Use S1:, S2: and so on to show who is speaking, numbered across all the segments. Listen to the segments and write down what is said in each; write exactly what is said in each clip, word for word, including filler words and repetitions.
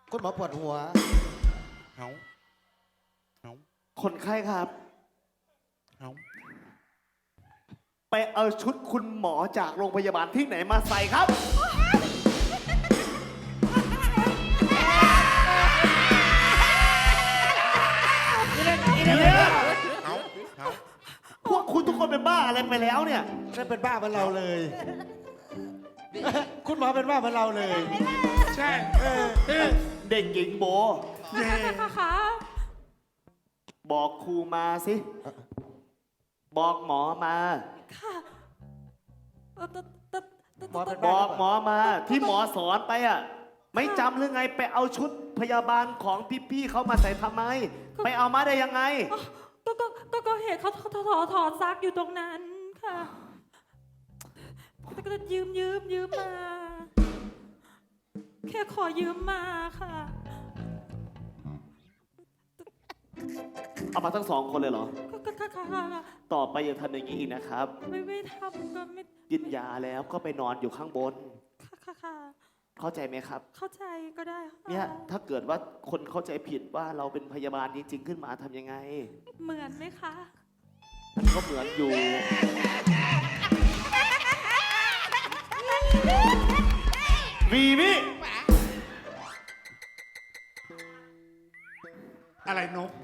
S1: คุณหมอปวดหัวเฮาเฮา
S2: คนไข้ครับ
S1: เฮา
S2: ไปเอาชุดคุณหมอจากโรงพยาบาลที่ไหนมาใส่ครับ
S1: เฮาเฮา
S2: พวกคุณทุกคนเป็นบ้าอะไรไปแล้วเนี่ย
S1: นั่นเป็นบ้าเหมือนเราเลย คุณหมอเป็นบ้าเหมือนเราเลย
S3: ใช่
S1: เออเออ
S2: เด็กหญิงโบ
S4: ค่ะค่ะ
S2: บอกครูมาสิ บอกหมอมา
S4: ค่ะเอ่อตตตต
S1: หมอเป็น
S2: บ
S1: บ้า
S2: อกหมอมาที่หมอสอนไปอ่ะ ไม่จำหรือไงไปเอาชุดพยาบาลของพี่ๆเขามาใส่ทำไม ไปเอามาได้ยังไง
S4: ก็ก็ก็ก็เห็นเขาถอดถอดถอดซักอยู่ตรงนั้นค่ะก็ก็ยืมยืมยืมมา แค่ขอยืมมาค่ะ
S2: เอามาทั้งสองคนเลยเหรอ
S4: ก็ก็ค่ะค่ะค่ะ
S2: ต่อไปอย่าทำอย่างนี้อีกนะครับ
S4: ไม่ไม่ทำก็ไม่
S2: กินยาแล้วก็ไปนอนอยู่ข้างบน
S4: ค่ะค่ะค่ะ
S2: เข้าใจไหมครับ
S4: เข้าใจก็ได้ค่ะ
S2: เนี่ยถ้าเกิดว่าคนเข้าใจผิดว่าเราเป็นพยาบาลจริงๆขึ้นมาทำยังไง
S4: เหมือนไหมคะ
S2: ก็เหมือนอยู่ วีวิ
S3: อะไรนก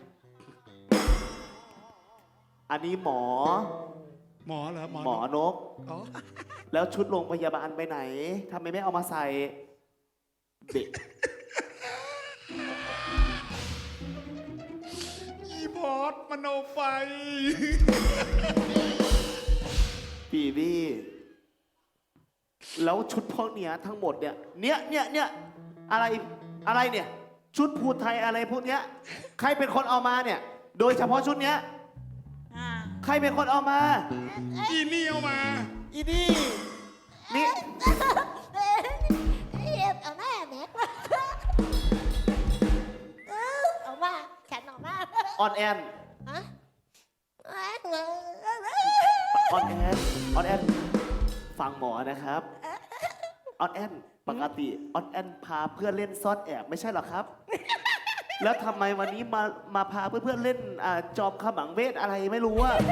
S2: อันนี้หมอ
S3: หมอเหรอหมอ
S2: หมอนก
S3: อ๋อ
S2: แล้วชุดโรงพยาบาลไปไหนทำไมไม่เอามาใส่เด็ก
S3: อีพอดมโนไฟ
S2: วีวิแล้วชุดพวกเนี้ยทั้งหมดเนี่ยเนี่ยเนี่ยเนี่ยอะไรอะไรเนี่ย ชุดภูไทยอะไรพวกเนี้ยใครเป็นคนเอามาเนี่ย โดยเฉพาะชุดเนี้ยใครเป็นคนเอามา
S3: อีนี่เอามา
S1: อีนี่
S2: นี่
S5: เอาหน้าแม็กมาเอามาฉันออกมา
S2: ออนแอน
S5: ฮะ
S2: ออนแอนออนแอนฟังหมอนะครับออนแอนปกติออนแอนพาเพื่อนเล่นซ่อนแอบไม่ใช่หรอครับ แล้วทำไมวันนี้มามาพาเพื่อนๆเล่นอ่าจอมขมังเวทอะไรไม่รู้อะ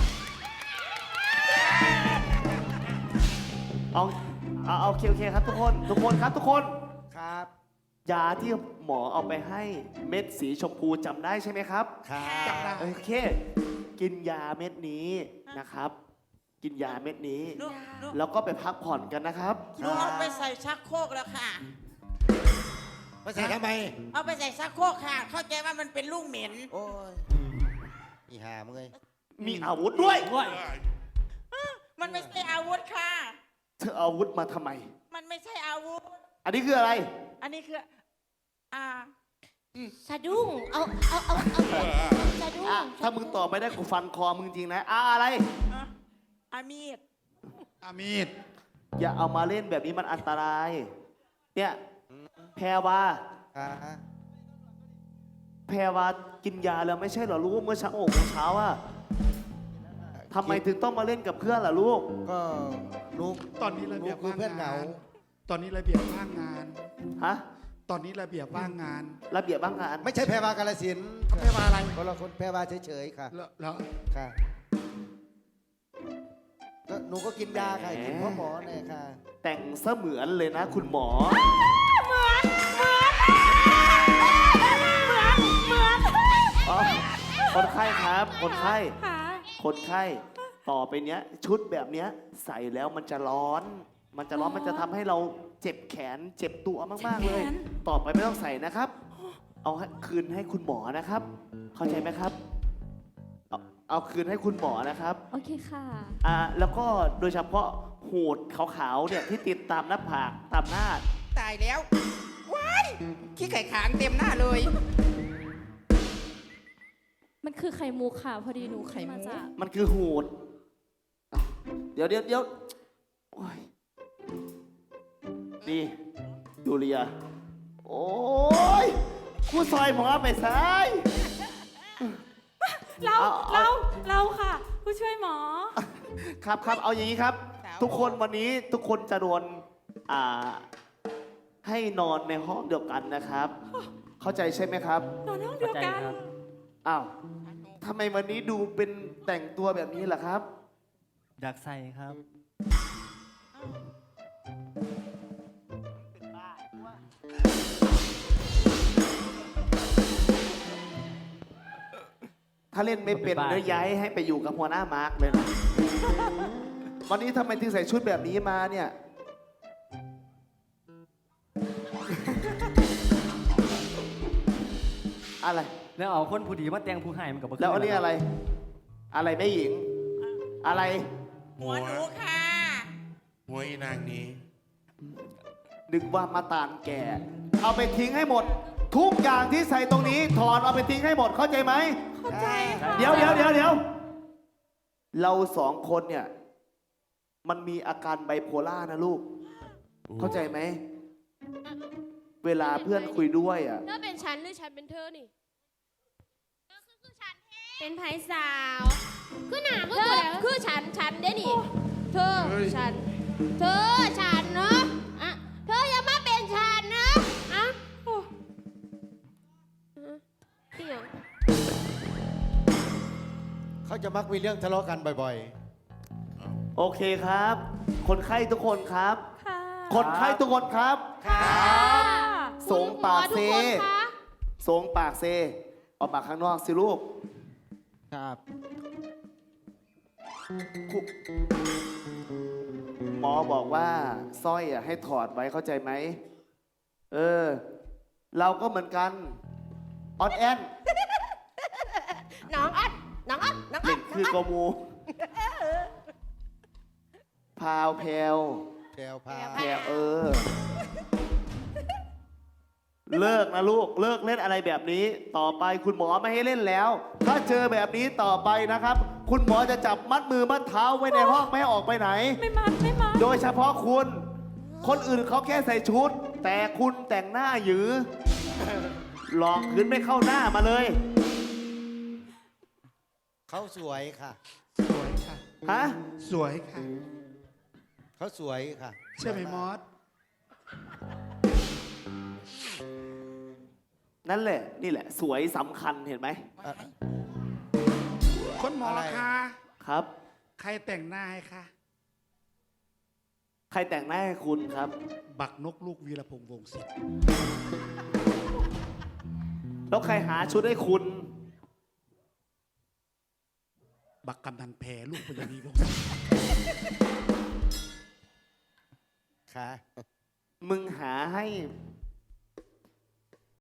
S2: เอาเอาเอาโอเคโอเคครับทุกคนทุกคนครับทุกคน
S1: ครับ
S2: ยาที่หมอเอาไปให้เม็ดสีชมพูจำได้ใช่ไหมครับ
S1: ครับ
S3: จำได้
S2: โอเค กินยาเม็ดนี้นะครับ กินยาเม็ดนี้
S6: หนูหนู
S2: แล้วก็ไปพักผ่อนกันนะครับ
S6: หนูเอาไปใส่ชักโครกแล้วค่ะ
S1: ไปใส่ทำไม
S6: เอาไปใส่ชักโครกค่ะ เข้าใจว่ามันเป็นลูกเหม็น
S1: โอ้ยอีห่ามึงเลย
S2: มีอาวุธด้วย
S6: มันไม่ใช่อาวุธค่ะ
S2: เธอเอาอาวุธมาทำไม
S6: มันไม่ใช่อาวุธ
S2: อันนี้คืออะไร
S6: อันนี้คือ อ่า
S5: สะดุ้ง เอา เอา เอา เอาสะดุ้ง
S2: อ่ะ ถ้ามึงตอบไม่ได้กูฟันคอมึงจริงนะอ่ะอะไร
S6: อ่ะอามีด
S3: อามีด
S2: อย่าเอามาเล่นแบบนี้มันอันตราย เนี่ย แพรวา
S1: อ่า
S2: แพรวากินยาแล้วไม่ใช่เหรอลูกเมื่อเช้าโอ้โหเช้าอะทำไมถึงต้องมาเล่นกับเพื่อนล่ะลูก
S1: ก็ลูก
S3: ตอนนี้ระ
S1: ลู
S3: เบีย
S1: ก
S3: บ
S1: คือ
S3: ว่าง
S1: เพื่อนเหงา
S3: งาน ตอนนี้ระเบียบว่างงาน
S2: ฮะ
S3: ตอนนี้ระเบียบว่างงาน
S2: ระเบียบบ้างงาน
S1: ไม่ใช่แพรวากาลสินธุ์
S3: เอาแพรวาอะไร
S1: คนละคนแพรวาเฉยๆค่ะ
S3: แล้วแล้ว
S1: ค่ะก็หนูก็กินยาค่ะ
S2: แหม
S1: กินพ่อหมอเนี่ยค่ะ
S2: แต่งเสมือนเลยนะ คุณหมอ อ๋อ คนไข้ครับ คนไข้
S4: ค่ะ
S2: คนไข้ ต่อไปเนี้ย ชุดแบบเนี้ยใส่แล้วมันจะร้อน มันจะร้อน มันจะทำให้เราเจ็บแขน เจ็บตัวมากๆเลย
S4: เจ็บแขน
S2: ต่อไปไม่ต้องใส่นะครับ เอาให้คืนให้คุณหมอนะครับ เข้าใจไหมครับ เอาเอาคืนให้คุณหมอนะครับ
S4: โอเคค่ะ
S2: อ่า แล้วก็โดยเฉพาะหูดขาวๆเนี่ยที่ติดตามหน้าผากตามหน้า
S6: ตายแล้ว ว้ายขี้ไข่ขางเต็มหน้าเลย
S4: มันคือไข่มุกค่ะ พอดีหนูขึ้นมาจาก
S2: มันคือหูดอ่ะเดี๋ยวเดี๋ยวเดี๋ยวโอ้ยนี่ยูเลีย โอ้ยกูซอยหมอไปซ้าย
S4: เรา
S2: เอาเอา
S4: เราเราค่ะ ผู้ช่วยหมอ
S2: ครับครับเอาอย่างนี้ครับ
S6: สาว
S2: ทุกคนวันนี้ทุกคนจะโดนอ่าให้นอนในห้องเดียวกันนะครับ เข้าใจใช่ไหมครับ
S4: นอนห้องเดียวกัน
S2: อ้าวทำไมวันนี้ดูเป็นแต่งตัวแบบนี้ล่ะครับ
S7: อยากใส่ครับ
S2: ถ้าเล่นไม่เป็น
S7: เป็นบ้า
S2: เนื้อย้ายให้ไปอยู่กับหัวหน้ามาร์กเลยนะ วันนี้ทำไมถึงใส่ชุดแบบนี้มาเนี่ย อะไร
S7: แล้วเอาคนผู้ดีมาแต่งผู้ให้มันกับ
S2: แล้วอันนี้อะไร อะไรแม่หญิง อะไร
S6: หัวหนูค่ะ
S1: หัวอีนางนี้
S2: นึกว่ามาตานแก่ เอาไปทิ้งให้หมด ทุกอย่างที่ใส่ตรงนี้ถอนเอาไปทิ้งให้หมดเข้าใจไหม
S4: เข้าใจค่ะ
S2: เดี๋ยวเดี๋ยวเดี๋ยวเดี๋ยวเราสองคนเนี่ย มันมีอาการไบโพล่านะลูก เข้าใจไหม เวลาเพื่อนคุยด้วยอ่ะ
S5: เธอเป็นฉันหรือฉันเป็นเธอนี่เธอคือฉันเป็นไผ่สาวคือหนาคือตัวคือฉันฉันเด้นี่ เธอ
S1: เฮ้ย
S5: ฉัน เธอฉันเนาะอ่ะเธออย่ามาเป็นฉันนะอ่ะโอ้จริงเหรอ
S8: เขาจะมักมีเรื่องทะเลาะกันบ่อย
S2: โอเคครับ คนไข้ทุกคนครับ
S4: ค่ะ
S2: คนไข้ทุกคนครับ
S5: ค่ะ
S2: สงปากเซ
S5: คุณหมอทุกคนคะ
S2: สงปากเซ ออกมาข้างนอกสิลูก
S8: ๆ ครับ
S2: คุหมอบอกว่าสร้อยอ่ะให้ถอดไว้เข้าใจไหม เออ เราก็เหมือนกัน ออนแอน
S5: น้องอัดน้องอัดน้องอั
S2: เล่
S5: ด
S2: นคือกอมูพาวแพลว
S8: แพรวพา
S2: แพลวเออ เลิกนะลูก เลิกเล่นอะไรแบบนี้ ต่อไปคุณหมอไม่ให้เล่นแล้ว ถ้าเจอแบบนี้ต่อไปนะครับ คุณหมอจะจับมัดมือมัดเท้าไว้ในห้องไม่ให้ออกไปไหน
S4: ไม่มัดไม่มัด
S2: โดยเฉพาะคุณ คนอื่นเขาแค่ใส่ชุด แต่คุณแต่งหน้าหยือ หลอกขึ้นไม่เข้าหน้ามาเลย
S8: เขาสวยค่ะ
S3: สวยค่ะ
S2: ฮะ
S3: สวยค่ะ
S8: เขาสวยค่ะ
S3: ใช่ไหมมอส
S2: นั่นแหละ นี่แหละ สวยสำคัญเห็นไหม
S8: อ่ะ
S3: คนหมอ
S8: อะไร
S3: คะ
S2: ครับ
S3: ใครแต่งหน้าให้คะ
S2: ใครแต่งหน้าให้คุณครับ
S3: บักนกลูกวีรพงษ์วงศ์ศิษย์
S2: แล้วใครหาชุดให้คุณ
S3: บักกำนันแพรลูกพญานีวงศ์ศิษย์
S8: ค่ะ
S2: มึงหาให้